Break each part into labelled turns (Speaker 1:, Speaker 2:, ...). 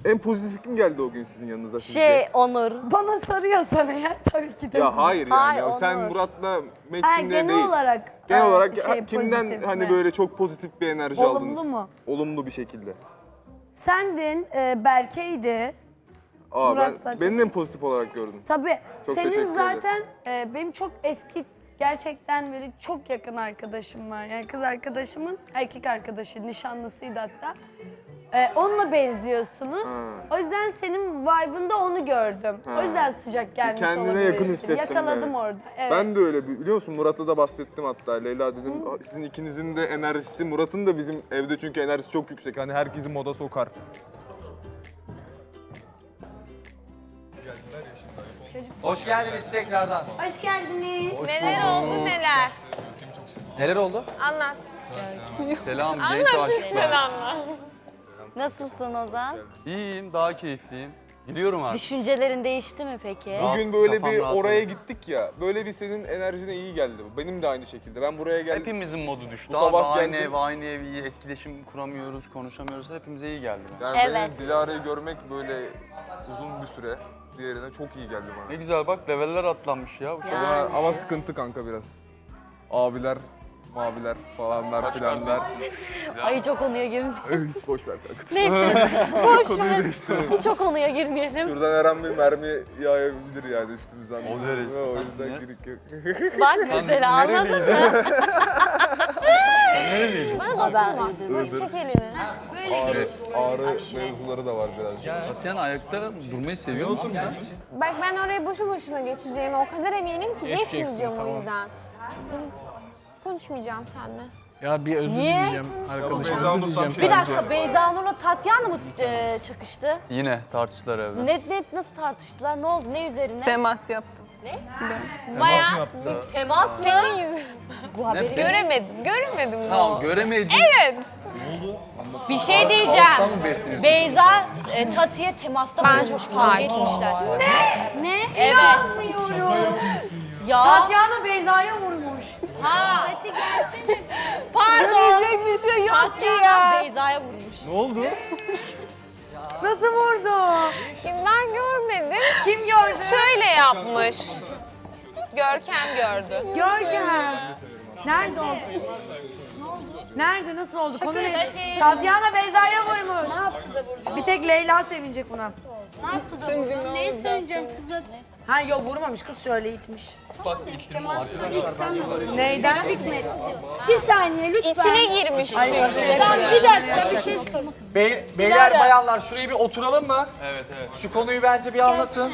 Speaker 1: En pozitif kim geldi o gün sizin yanınıza sizce?
Speaker 2: Onur.
Speaker 3: Bana sarıyorsan eğer tabii ki de.
Speaker 1: Ya hayır yani.
Speaker 2: Ay,
Speaker 1: Ya sen
Speaker 2: Onur.
Speaker 1: Murat'la Max'inle
Speaker 3: genel
Speaker 1: değil.
Speaker 3: olarak.
Speaker 1: Genel olarak kimden
Speaker 3: pozitif
Speaker 1: hani
Speaker 3: mi?
Speaker 1: böyle çok pozitif bir enerji
Speaker 3: Olumlu
Speaker 1: aldınız?
Speaker 3: mu?
Speaker 1: Olumlu bir şekilde.
Speaker 3: Sendin, Berke'ydi.
Speaker 1: Aa,
Speaker 3: Murat zaten.
Speaker 1: benim en pozitif olarak gördüm.
Speaker 3: Tabii.
Speaker 1: Çok teşekkür
Speaker 3: Senin
Speaker 1: ederim.
Speaker 3: zaten benim çok eski gerçekten böyle çok yakın arkadaşım var. Yani kız arkadaşımın erkek arkadaşı, nişanlısıydı hatta. Onunla benziyorsunuz. O yüzden senin vibe'ında onu gördüm. O yüzden sıcak gelmiş
Speaker 1: Kendine
Speaker 3: olabilirsin.
Speaker 1: yakın hissettim
Speaker 3: Yakaladım
Speaker 1: yani.
Speaker 3: orada. Evet.
Speaker 1: Ben de öyle biliyor musun? Murat'a da bahsettim hatta. Leyla dedim sizin ikinizin de enerjisi, Murat'ın da bizim evde çünkü enerjisi çok yüksek. Hani herkesi moda sokar.
Speaker 4: Hoş geldiniz tekrardan.
Speaker 3: Hoş geldiniz.
Speaker 5: Neler oldu neler?
Speaker 4: Neler oldu?
Speaker 5: Anlat.
Speaker 4: Selam genç
Speaker 5: Anlat
Speaker 4: aşıklar.
Speaker 5: lütfen anlat.
Speaker 2: Nasılsın Ozan?
Speaker 4: İyiyim, daha keyifliyim. Gidiyorum artık.
Speaker 2: Düşüncelerin değişti mi peki?
Speaker 1: Bugün böyle
Speaker 4: kafam
Speaker 1: bir
Speaker 4: rahat
Speaker 1: oraya
Speaker 4: oldu.
Speaker 1: gittik ya. Böyle bir senin enerjine iyi geldi. Benim de aynı şekilde. Ben buraya geldim.
Speaker 4: Hepimizin modu düştü.
Speaker 1: Bu
Speaker 4: Abi
Speaker 1: sabah
Speaker 4: aynı
Speaker 1: geldim.
Speaker 4: ev, aynı ev, iyi etkileşim kuramıyoruz, konuşamıyoruz. Hepimize iyi geldi.
Speaker 1: Yani
Speaker 2: Evet.
Speaker 1: benim Dilara'yı görmek böyle uzun bir süre diğerine çok iyi geldi bana.
Speaker 4: Ne güzel bak, leveller atlanmış ya. Bu
Speaker 2: Ya.
Speaker 1: Ama sıkıntı kanka biraz. Abiler, maviler falanlar filanlar.
Speaker 2: Ay çok konuya girmeyelim.
Speaker 1: Hiç boş ver kanka.
Speaker 2: Neyse boş
Speaker 1: Konuyu
Speaker 2: ver.
Speaker 1: değiştirelim.
Speaker 2: Hiç o konuya girmeyelim.
Speaker 1: Şuradan her an bir mermi yağabilir yani üstümüzden.
Speaker 4: O derece.
Speaker 1: O yüzden
Speaker 4: Ne?
Speaker 1: gerek yok.
Speaker 2: Bak mesela anladın mı?
Speaker 5: Bana
Speaker 2: Ben
Speaker 5: dokunma. Bak çek elini.
Speaker 1: Ağrı mevzuları da var biraz.
Speaker 4: Tatiana ayakta durmayı seviyor musun sen?
Speaker 5: Bak ben oraya boşu boşuna geçeceğime o kadar eminim ki geçmeyeceğim o yüzden. Konuşmayacağım seninle.
Speaker 6: Ya bir özür
Speaker 2: Niye?
Speaker 6: dileyeceğim arkadaşım.
Speaker 1: Beyza
Speaker 6: Özür
Speaker 1: Nur'dan
Speaker 6: dileyeceğim.
Speaker 1: bir
Speaker 2: Bir
Speaker 1: şey
Speaker 2: dakika Beyza Nur'la Tatyana mı çakıştı?
Speaker 4: Yine tartıştılar evde.
Speaker 2: Ne nasıl tartıştılar? Ne oldu? Ne üzerine?
Speaker 7: Temas yaptım.
Speaker 5: Bayağı
Speaker 2: Temas mı?
Speaker 5: senin yüzünden.
Speaker 2: Bu haberi
Speaker 5: Göremedim ne
Speaker 4: Tamam,
Speaker 5: oldu.
Speaker 4: göremedim.
Speaker 5: Evet. Bir şey diyeceğim.
Speaker 4: Aslan mı besleniyorsun?
Speaker 2: Beyza Tati'ye temasta bulunmuş, kavga etmişler.
Speaker 3: Ne?
Speaker 2: Evet.
Speaker 3: İnanmıyorum.
Speaker 2: Ya
Speaker 3: Tatyana Beyza'ya vurmuş.
Speaker 2: ha
Speaker 7: Pardon. Söyleyecek bir şey yok ki
Speaker 2: Tatyana
Speaker 7: ya.
Speaker 2: Beyza'ya vurmuş.
Speaker 6: Ne oldu?
Speaker 3: Nasıl vurdu?
Speaker 5: Şimdi ben görmedim.
Speaker 3: Kim gördü?
Speaker 5: Şöyle yapmış. Görkem gördü.
Speaker 3: Görkem. Nerede o? Nerede? Nasıl oldu? Konu ne?
Speaker 2: Hadi.
Speaker 3: Tatyana Beyza'ya vurmuş. Ne yaptı da vurdu? Bir tek Leyla sevinecek buna.
Speaker 2: Ne yaptı da vurdu? Neyi söyleyeceğim kızım?
Speaker 3: Ha yok vurmamış kız şöyle itmiş.
Speaker 4: Ufak bir ittirme var.
Speaker 3: Neyden?
Speaker 2: Bir saniye lütfen.
Speaker 5: İçine girmiş çünkü.
Speaker 2: Bir dakika bir şey sor.
Speaker 8: Beyler, bayanlar şuraya bir oturalım mı?
Speaker 4: Evet, evet.
Speaker 8: Şu konuyu bence bir anlatın.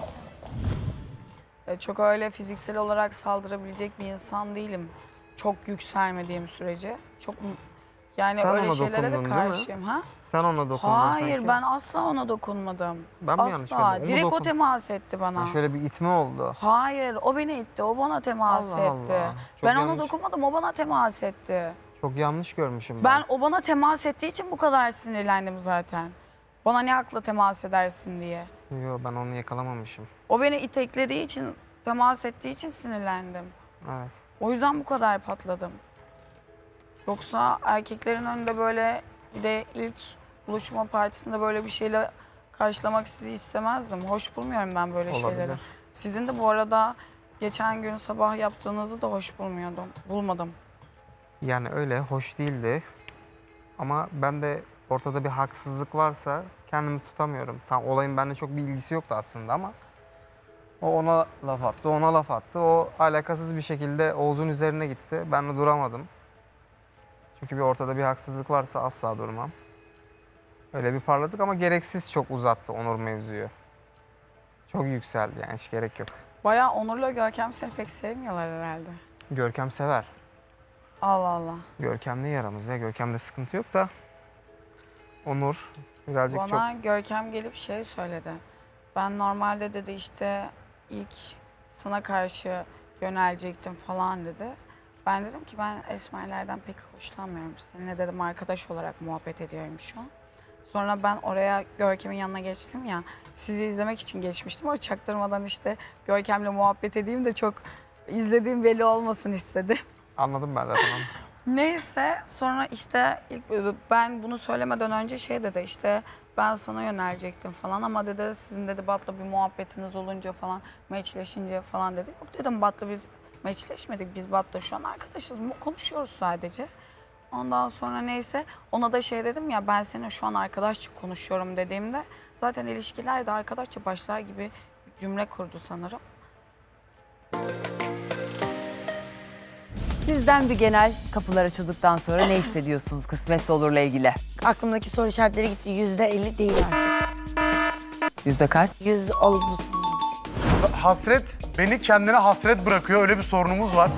Speaker 7: Çok öyle fiziksel olarak saldırabilecek bir insan değilim. Çok yükselmediğim sürece. Çok yani
Speaker 9: Sen
Speaker 7: öyle
Speaker 9: ona
Speaker 7: şeylere de
Speaker 9: dokundun, değil mi?
Speaker 7: karşıyım. Ha?
Speaker 9: Sen ona dokundun
Speaker 7: Hayır
Speaker 9: sanki.
Speaker 7: ben asla ona dokunmadım.
Speaker 9: Ben mi yanlış
Speaker 7: Asla.
Speaker 9: gördüm? Onu
Speaker 7: Direkt o
Speaker 9: dokun-
Speaker 7: temas etti bana.
Speaker 9: Ha, şöyle bir itme oldu.
Speaker 7: Hayır o beni itti. O bana temas
Speaker 9: Allah
Speaker 7: etti.
Speaker 9: Allah. Çok
Speaker 7: Ben ona
Speaker 9: yanlış.
Speaker 7: dokunmadım. O bana temas etti.
Speaker 9: Çok yanlış görmüşüm
Speaker 7: Ben o bana temas ettiği için bu kadar sinirlendim zaten. Bana ne akla temas edersin diye.
Speaker 9: Yok ben onu yakalamamışım.
Speaker 7: O beni iteklediği için, temas ettiği için sinirlendim.
Speaker 9: Evet.
Speaker 7: O yüzden bu kadar patladım. Yoksa erkeklerin önünde böyle bir de ilk buluşma partisinde böyle bir şeyle karşılamak sizi istemezdim. Hoş bulmuyorum ben böyle
Speaker 9: Olabilir.
Speaker 7: şeyleri. Sizin de bu arada geçen gün sabah yaptığınızı da hoş bulmadım.
Speaker 9: Yani öyle hoş değildi. Ama ben de ortada bir haksızlık varsa kendimi tutamıyorum. Tam olayın benimle çok bir ilgisi yoktu aslında ama o ona laf attı, ona laf attı. O alakasız bir şekilde Oğuz'un üzerine gitti. Ben de duramadım. Çünkü bir ortada bir haksızlık varsa asla durmam. Öyle bir parladık ama gereksiz çok uzattı Onur mevzuyu. Çok yükseldi yani hiç gerek yok.
Speaker 7: Bayağı Onur'la Görkem seni pek sevmiyorlar herhalde.
Speaker 9: Görkem sever.
Speaker 7: Allah Allah.
Speaker 9: Görkem'le iyi aramız ya. Görkem'de sıkıntı yok da Onur birazcık
Speaker 7: Bana Görkem gelip şey söyledi. Ben normalde dedi işte ilk sana karşı yönelecektim falan dedi. Ben dedim ki ben esmerlerden pek hoşlanmıyorum. Seninle dedim arkadaş olarak muhabbet ediyorum şu an. Sonra ben oraya Görkem'in yanına geçtim ya. Sizi izlemek için geçmiştim. O çaktırmadan işte Görkem'le muhabbet edeyim de çok izlediğim belli olmasın istedim.
Speaker 9: anladım ben zaten onu.
Speaker 7: Neyse sonra işte ilk ben bunu söylemeden önce şey dedi işte ben sana yönelecektim falan ama dedi sizin dedi Bat'la bir muhabbetiniz olunca falan meçleşince falan dedi. Yok dedim Bat'la biz meçleşmedik, biz Bat'la şu an arkadaşız, konuşuyoruz sadece. Ondan sonra neyse ona da şey dedim ya ben seninle şu an arkadaşça konuşuyorum dediğimde zaten ilişkiler de arkadaşça başlar gibi cümle kurdu sanırım.
Speaker 6: Sizden bir genel kapılar açıldıktan sonra ne hissediyorsunuz kısmetse olurla ilgili?
Speaker 3: Aklımdaki soru işaretleri gitti. %50 değil artık.
Speaker 6: Yüzde kaç?
Speaker 3: 100 oldu.
Speaker 10: Hasret beni kendine hasret bırakıyor. Öyle bir sorunumuz var.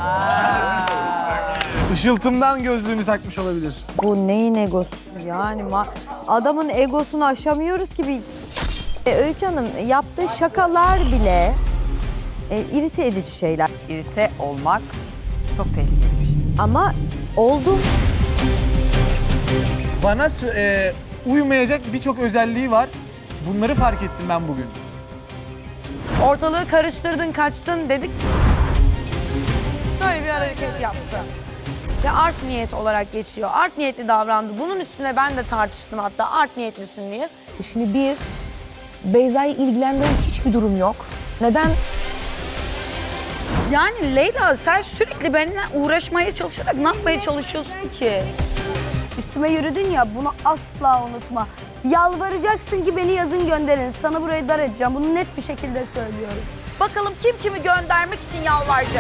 Speaker 8: Işıltımdan gözlüğümü takmış olabilir.
Speaker 11: Bu neyin egosu? Yani adamın egosunu aşamıyoruz ki. Öykü Hanım yaptığı şakalar bile irite edici şeyler.
Speaker 6: İrite olmak çok tehlikeli bir şey.
Speaker 11: Ama oldu.
Speaker 8: Bana uymayacak birçok özelliği var. Bunları fark ettim ben bugün.
Speaker 3: Ortalığı karıştırdın, kaçtın dedik. Böyle bir hareket yaptı. Ve art niyet olarak geçiyor. Art niyetli davrandı. Bunun üstüne ben de tartıştım hatta art niyetlisin diye.
Speaker 11: Şimdi bir, Beyza'yı ilgilendiren hiçbir durum yok. Neden?
Speaker 7: Yani Leyla sen sürekli benimle uğraşmaya çalışarak ne yapmaya çalışıyorsun ki?
Speaker 3: Üstüme yürüdün ya, bunu asla unutma. Yalvaracaksın ki beni yazın gönderin. Sana burayı dar edeceğim. Bunu net bir şekilde söylüyorum.
Speaker 2: Bakalım kim kimi göndermek için yalvaracak.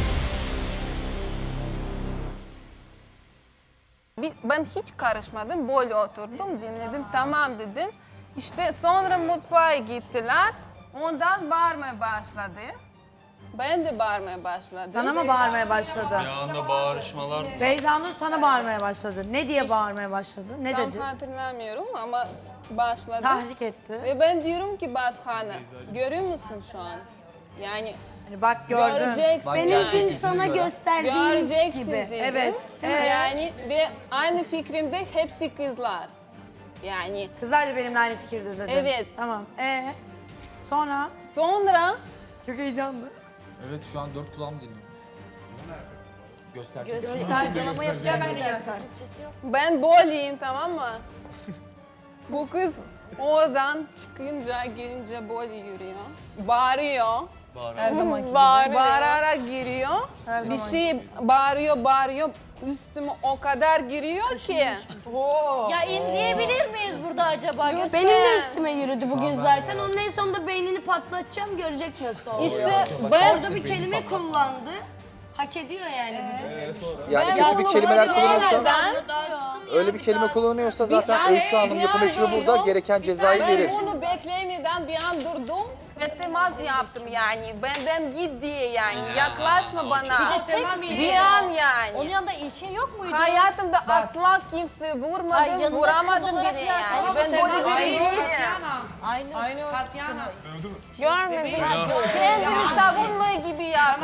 Speaker 12: Ben hiç karışmadım, böyle oturdum, dinledim, tamam dedim. İşte sonra mutfağa gittiler, ondan bağırmaya başladı. Ben de bağırmaya başladım.
Speaker 3: Sana mı bağırmaya başladı?
Speaker 4: Bir anda bağırışmalar.
Speaker 3: Beyza Nur sana bağırmaya başladı. Ne diye bağırmaya başladı? Ne
Speaker 12: Tam
Speaker 3: dedi?
Speaker 12: hatırlamıyorum ama başladı.
Speaker 3: Tahrik etti.
Speaker 12: Ve ben diyorum ki Batuhan'a, görüyor musun şu an? Yani
Speaker 3: Hani bak gördün.
Speaker 12: göreceksin.
Speaker 3: Benim için sana gösterdiğim
Speaker 12: Göreceksin
Speaker 3: gibi.
Speaker 12: dedim.
Speaker 3: Evet.
Speaker 12: Yani ve aynı fikrimde hepsi kızlar. Yani
Speaker 3: Kızlar da benimle aynı fikirde dedi.
Speaker 12: Evet.
Speaker 3: Tamam. Sonra?
Speaker 12: sonra
Speaker 3: Çok heyecanlı.
Speaker 8: Evet şu an 4 kulağım dinliyor. Göster.
Speaker 2: Canımı yapacak
Speaker 3: Ben de göster.
Speaker 12: ben böyleyim, tamam mı? Bu kız oradan çıkınca gelince böyle yürüyor. Bağırıyor.
Speaker 2: Her zamanki
Speaker 12: Bağırarak giriyor. Bir şey bağırıyor. Üstüme o kadar giriyor ki.
Speaker 2: Ya izleyebilir miyiz burada acaba?
Speaker 3: Benim de üstüme yürüdü bugün zaten. Onun en sonunda beynini patlatacağım. Görecek nasıl oluyor.
Speaker 12: İşte ben
Speaker 3: Orada bir kelime kullandı. Hak ediyor yani.
Speaker 12: Yani kötü bir kelimeler kullanırsa,
Speaker 8: Öyle bir kelime kullanıyorsa zaten Öykü Hanım yapım ekibi burada gereken cezayı
Speaker 12: ben
Speaker 8: verir.
Speaker 12: bunu beklemeden bir an durdum ve temas yaptım yani. Benden git diye yani. Yaklaşma bana.
Speaker 2: Bir de tek miydi?
Speaker 12: Bir an yani.
Speaker 2: Onun yanında ilçe yok muydu?
Speaker 12: Hayatımda asla kimseyi
Speaker 2: Ay,
Speaker 12: vurmadım,
Speaker 2: yanında kız
Speaker 12: vuramadım
Speaker 2: olarak
Speaker 12: bile
Speaker 2: ya,
Speaker 12: yani.
Speaker 2: tamam,
Speaker 12: Ben böyle biri değilim.
Speaker 2: Aynı.
Speaker 12: Görmedim. Kendini savunma gibi yaptı.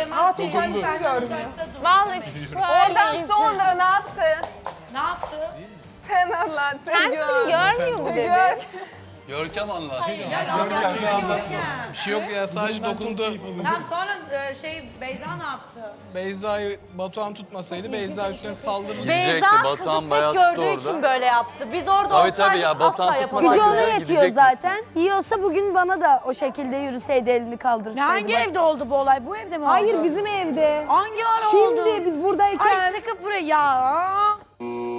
Speaker 12: Vallahi oradan sonra ne yaptı?
Speaker 3: Ne yaptı?
Speaker 12: Sen anlat, sen gör.
Speaker 5: Görmüyor mu dedi?
Speaker 4: Görkem anlat.
Speaker 10: Bir şey yok ya, sadece dokundu.
Speaker 3: Tamam sonra Beyza ne yaptı?
Speaker 10: Beyza'yı Batuhan tutmasaydı Beyza üstüne saldırırdı.
Speaker 2: Beyza kızı tek gördüğü için böyle yaptı. Biz orada olsaydık asla yapamazdık.
Speaker 3: Gücü ona yetiyor zaten. Yiyorsa bugün bana da o şekilde yürüseydi, elini kaldırsaydı. Hangi evde oldu bu olay? Bu evde mi oldu?
Speaker 11: Hayır bizim evde.
Speaker 3: Hangi ara oldu?
Speaker 11: Şimdi biz buradayken.
Speaker 3: Ay sıkıp buraya ya.